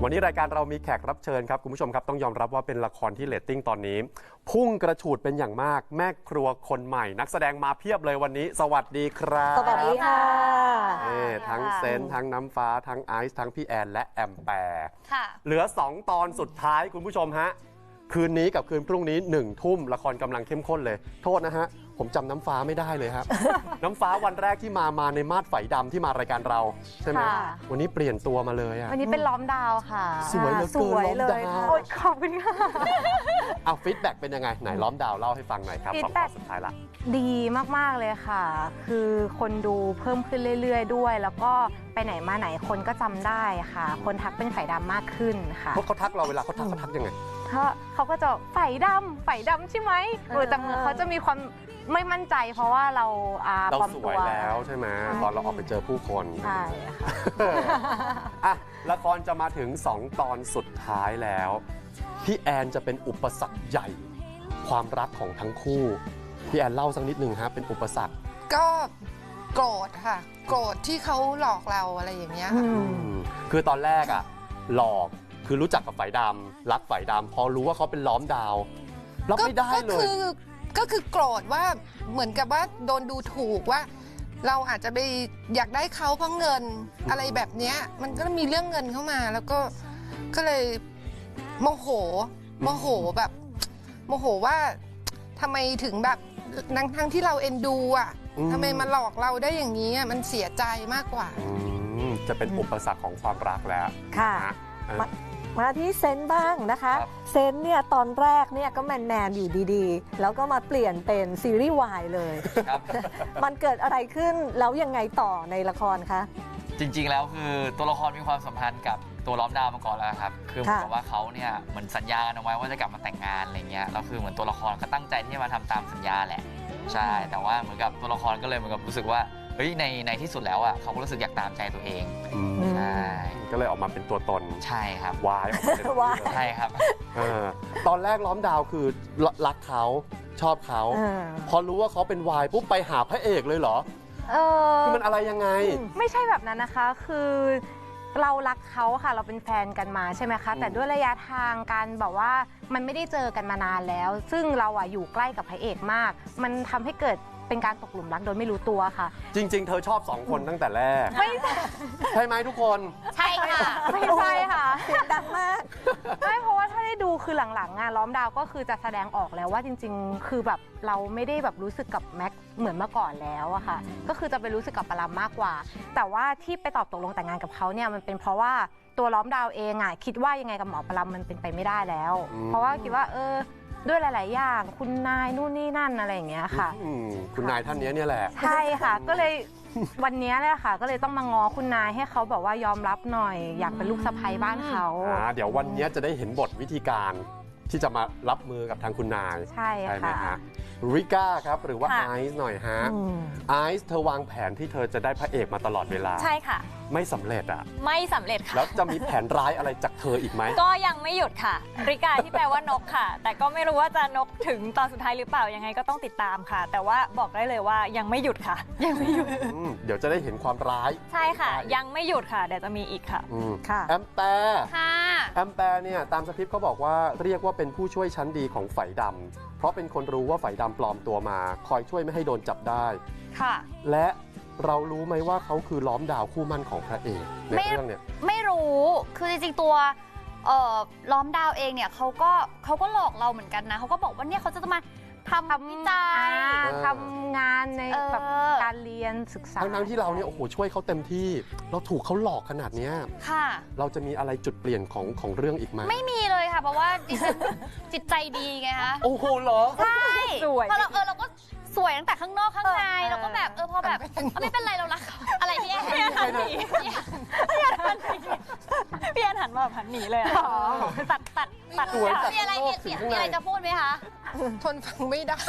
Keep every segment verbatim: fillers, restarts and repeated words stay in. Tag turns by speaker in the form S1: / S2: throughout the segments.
S1: วันนี้รายการเรามีแขกรับเชิญครับคุณผู้ชมครับต้องยอมรับว่าเป็นละครที่เรตติ้งตอนนี้พุ่งกระฉูดเป็นอย่างมากแม่ครัวคนใหม่นักแสดงมาเพียบเลยวันนี้สวัสดีครับ
S2: สวัสดีค่ะ
S1: ทั้งเซนทั้งน้ำฟ้าทั้งไอซ์ทั้งพี่แอนและแอมแปร์เหลือสองตอนสุดท้ายคุณผู้ชมฮะคืนนี้กับคืนพรุ่งนี้หนึ่งทุ่มละครกำลังเข้มข้นเลยโทษนะฮะผมจำน้ำฟ้าไม่ได้เลยครับ น้ำฟ้าวันแรกที่มามาในมาดไฝดำที่มารายการเราใช่ไหมวันนี้เปลี่ยนตัวมาเลยอะ
S3: วันนี้เป็นล้อมดาวค่ะ
S1: สวยเหลือเกินล้อมดาว
S3: ขอบคุณค่ะ
S1: เอาฟีดแบ็กเป็นยังไงไหนล้อมดาวเล่าให้ฟังหน่อยครับสองตอนสุดท้ายละ
S3: ดีมากๆเลยค่ะคือคนดูเพิ่มขึ้นเรื่อยๆด้วยแล้วก็ไปไหนมาไหนคนก็จำได้ค่ะคนทักเป็นไฝดำมากขึ้นค่ะ
S1: เพราะเขาทักเราเวลาเขาทักเขาทักยังไง
S3: เขาเขาก็จะไฝดำไฝดำใช่ไหมแต่เมื่อเขาจะมีความไม่มั่นใจเพราะว่าเรา
S1: เราสวยแล้วใช่ไหมตอนเราออกไปเจอผู้คน
S3: ใช่ค่ะ
S1: อ่ะละครจะมาถึงสองตอนสุดท้ายแล้วพี่แอนจะเป็นอุปสรรคใหญ่ความรักของทั้งคู่พี่แอนเล่าสักนิดหนึ่งฮะเป็นอุปสรรค
S2: ก็โกรธค่ะโกรธที่เขาหลอกเราอะไรอย่างเงี้ย
S1: คือตอนแรกอ่ะหลอกคือรู้จักกับไฝดำรักไฝดำพอรู้ว่าเขาเป็นล้อมดาวรับไม่ได้เลย
S2: ก็คือโกรธว่าเหมือนกับว่าโดนดูถูกว่าเราอาจจะไปอยากได้เขาเพราะเงินอะไรแบบเนี้ยมันก็มีเรื่องเงินเข้ามาแล้วก็ก็เลยโมโหโมโหแบบโมโหว่าทำไมถึงแบบทั้งทั้งที่เราเอ็นดูอ่ะทำไมมาหลอกเราได้อย่างนี้มันเสียใจมากกว่า
S1: จะเป็นอุปสรรคของความรักแล้ว
S4: ค่ะมาที่เซนบ้างนะคะเซนเนี่ยตอนแรกเนี่ยก็แมนแมนอยู่ดีๆแล้วก็มาเปลี่ยนเป็นซีรีส์วายเลยมันเกิดอะไรขึ้นแล้วยังไงต่อในละครคะ
S5: จริงๆแล้วคือตัวละครมีความสัมพันธ์กับตัวล้อมดาวมาก่อนแล้วครับคือเหมือนกับว่าเขาเนี่ยเหมือนสัญญากันเอาไว้ว่าจะกลับมาแต่งงานอะไรเงี้ยแล้วคือเหมือนตัวละครก็ตั้งใจที่จะมาทำตามสัญญาแหละใช่แต่ว่าเหมือนกับตัวละครก็เลยเหมือนกับรู้สึกว่าเฮ้ยในในที่สุดแล้วอ่ะเขาก็รู้สึกอยากตามใจตัวเองใช่
S1: ก็เลยออกมาเป็นตัวตน
S5: ใช่ครับ
S1: วายออกมาเป็นวาย
S5: ใช่ครับ
S1: ตอนแรกล้อมดาวคือรักเขาชอบเขาพอรู้ว่าเขาเป็นวายปุ๊บไปหาพระเอกเลยเหรอ
S3: เออ
S1: คือมันอะไรยังไง
S3: ไม่ใช่แบบนั้นนะคะคือเรารักเขาค่ะเราเป็นแฟนกันมาใช่ไหมคะแต่ด้วยระยะทางการแบบว่ามันไม่ได้เจอกันมานานแล้วซึ่งเราอ่ะอยู่ใกล้กับพระเอกมากมันทำให้เกิดเป็นการตกหลุมรักโดยไม่รู้ตัวค่ะ
S1: จริงๆเธอชอบสองคนตั้งแต่แรก
S3: ไม่
S1: ใช่ไหมทุกคน
S3: ใช่ค่ะไม่ใช่ค่ะ
S4: เสียงดังมาก
S3: ไม่เพราะว่าถ้าได้ดูคือหลังๆงานล้อมดาวก็คือจะแสดงออกแล้วว่าจริงๆคือแบบเราไม่ได้แบบรู้สึกกับแม็กเหมือนเมื่อก่อนแล้วอะค่ะก็คือจะไปรู้สึกกับปรามมากกว่าแต่ว่าที่ไปตอบตกลงแต่งงานกับเขาเนี่ยมันเป็นเพราะว่าตัวล้อมดาวเองอะคิดว่ายังไงกับหมอปรามมันเป็นไปไม่ได้แล้วเพราะว่าคิดว่าเออด้วยหลายๆอย่างคุณนายนู่นนี่นั่นอะไรอย่างเงี้ยค่ะ
S1: คุณนายท่านนี้เนี่ยแหละ
S3: ใช่ค่ะก็เลยวันนี้เลยค่ะก็เลยต้องมาง้อคุณนายให้เขาแบบว่ายอมรับหน่อยอยากเป็นลูกสะใภ้บ้านเขา
S1: เดี๋ยววันนี้จะได้เห็นบทวิธีการที่จะมารับมือกับทางคุณนาย
S3: ใช่
S1: ไหมฮะริก้าครับหรือว่าไอซ์หน่อยฮะไอซ์เธอวางแผนที่เธอจะได้พระเอกมาตลอดเวลา
S6: ใช่ค่ะ
S1: ไม่สำเร็จอ่ะ
S6: ไม่สำเร็จค่ะ
S1: แล้วจะมีแผนร้ายอะไรจากเธออีกไหม
S6: ก็ยังไม่หยุดค่ะริก้าที่แปลว่านกค่ะแต่ก็ไม่รู้ว่าจะนกถึงตอนสุดท้ายหรือเปล่ายังไงก็ต้องติดตามค่ะแต่ว่าบอกได้เลยว่ายังไม่หยุดค่ะยังไม่หยุด
S1: เดี๋ยวจะได้เห็นความร้าย
S6: ใช่ค่ะยังไม่หยุดค่ะเดี๋ยวจะมีอีกค่ะ
S1: แอมแปร์
S6: ค่ะ
S1: แอมแปร์เนี่ยตามสคริปต์เขาบอกว่าเรียกว่าเป็นผู้ช่วยชั้นดีของไฝดำเพราะเป็นคนรู้ว่าไฝดำปลอมตัวมาคอยช่วยไม่ให้โดนจับได้
S6: ค่ะ
S1: และเรารู้ไหมว่าเขาคือล้อมดาวคู่มั่นของพระเอกในเรื่องเนี่ย
S6: ไม่รู้คือจริงๆตัวล้อมดาวเองเนี่ยเขาก็เขาก็หลอกเราเหมือนกันนะเขาก็บอกว่าเนี่ยเขาจะมาทำวิจัย
S3: ทำงานในแบบการเรียนศึกษา
S1: ทั้งๆที่เราเนี่ยโอ้โหช่วยเขาเต็มที่เราถูกเขาหลอกขนาดนี้
S6: ค่ะ
S1: เราจะมีอะไรจุดเปลี่ยนของของเรื่องอีกไหม
S6: ไม่มีเลยค่ะเพราะว่าดิฉันจิตใจดีไงคะ
S1: โอ้โหเหรอ
S6: ใช่สวยเพราะเราเออเราก็สวยตั้งแต่ข้างนอกข้างในเราก็แบบเออพอแบบไม่เป็นไรเรารักอะไรพี่แอนพี่แอนหันหนีพี่แอนหันหนีพี่แอนหันมาแบบหันหนีเลยตัดตัดตัดมีอะไรมีอะไรจะพูดไหมคะ
S2: ทนฟังไม่ได้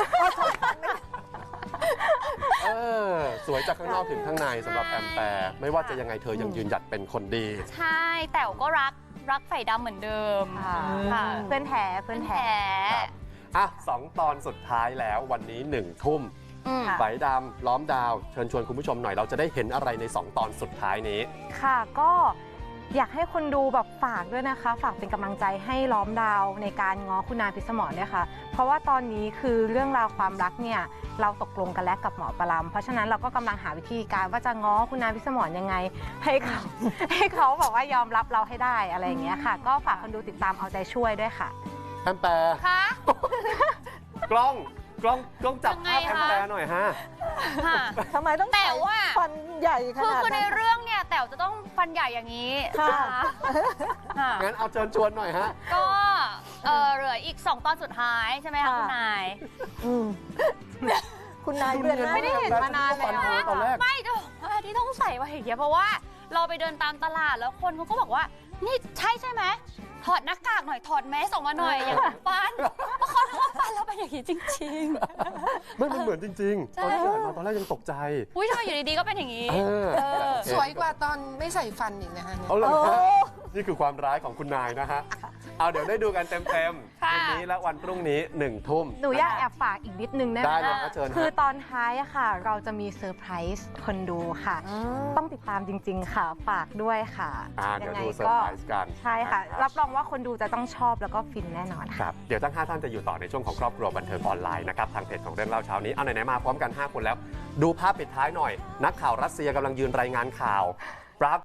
S1: เออสวยจากข้างนอกถึงข้างในสำหรับแอมแปร์ไม่ว่าจะยังไงเธอยังยืนหยัดเป็นคนดี
S6: ใช่แต่ก็รักรักไฝดำเหมือนเดิม
S3: ค่ะเพื่อนแท้เพื่อนแท้
S1: อ่ะสองตอนสุดท้ายแล้ววันนี้หนึ่งทุ่มไฝดำล้อมดาวเชิญชวนคุณผู้ชมหน่อยเราจะได้เห็นอะไรในสองตอนสุดท้ายนี้
S3: ค่ะก็อยากให้คนดูแบบฝากด้วยนะคะ ฝากเป็นกำลังใจให้ล้อมดาวในการง้อคุณนายพิสมรด้วยค่ะ เพราะว่าตอนนี้คือเรื่องราวความรักเนี่ยเราตกลงกันแล้วกับหมอปลาเพราะฉะนั้นเราก็กำลังหาวิธีการว่าจะง้อคุณนายพิสมรยังไง ให้เขา ให้เขาบอกว่ายอมรับเราให้ได้อะไรอย่างเงี้ยค่ะ ก็ฝากคนดูติดตามเอาใจช่วยด้วยค่ะ
S1: แอมแปร์
S6: คะ
S1: กล้องกล้องกล้องจับ
S6: ยังไง
S1: ภาพแอม
S6: คะ
S1: แปร์หน่อยฮะ
S6: ค่ะ
S4: ทำไมต้อง
S6: แต่
S4: ใส่
S6: ว่า
S4: ฟันใหญ่ข
S6: คือ
S4: นาด
S6: คือใน
S4: นั้น
S6: เรื่องเนี่ยแต๋วจะต้องฟันใหญ่อย่างนี้
S4: ค่ะ
S6: ค่ะ
S1: งั้นเอาเชิญชวนหน่อยฮะ
S6: ก็เอ่อเหลืออีกสองตอนสุดท้ายใช่ไหมคะ
S4: ค่ะ
S6: คุณนาย
S4: อืมคุณนายเดือนหน้า
S3: ไม่ได้เห็นมานานแล้ว
S1: ตอนแรก
S6: ไม่จะบอกว่าที่ต้องใส่มาอย่างเงี้ยเพราะว่าเราไปเดินตามตลาดแล้วคนเขาก็บอกว่า นี่ใช่ใช่ไหมถอดหน้ากากหน่อยถอดแมสออกมาหน่อยอย่างกับฟันเพราะเขาทำฟันเราเป็นอย่างนี้จริง
S1: ไม่มันเหมือนจริง
S6: ใช่
S1: ๆ ตอนที่อ่านมาตอนแรกยังตกใจ
S6: ๆ อุ้ยทำไมอยู่ดีๆก็เป็นอย่างนี้
S1: เออ
S6: เออ
S2: สวยกว่าตอนไม่ใส่ฟันอีกนะคะเนี่ย
S1: เอาเลย
S4: โอ้
S1: ฮะนี่คือความร้ายของคุณนายนะฮะ เอาเดี๋ยวได้ดูกันเต็มๆ
S6: ค่ะ
S1: วันนี้และวันพรุ่งนี้หนึ่งทุ่ม
S3: หนูอยากแอบฝากอีกนิดนึงได้ไหม
S1: ได้เลย
S3: คะ
S1: ครับเชิญ
S3: คือ
S1: ฮะ
S3: ตอนท้ายอะค่ะ เราจะมีเซอร์ไพรส์คนดูค่ะ ต้องติดตามจริง ๆ ค่ะ ฝากด้วยค่ะ
S1: อ่าเดี๋ยว
S3: ไง
S1: ดูเซอร์ไพรส์กัน
S3: ใช่ค่ะ
S1: นะ
S3: รับรองว่าคนดูจะต้องชอบแล้วก็ฟินแน่นอนค่ะ
S1: ครับ เดี๋ยวทั้งห้าท่านจะอยู่ต่อในช่วงของครอบครัวบันเทิงออนไลน์นะครับ ทางเพจของเรื่องเล่าเช้านี้ เอาไหนๆมาพร้อมกันห้าคนแล้ว ดูภาพปิดท้ายหน่อย นักข่าวรัสเซียกำลังยืนรายงานข่าวปราก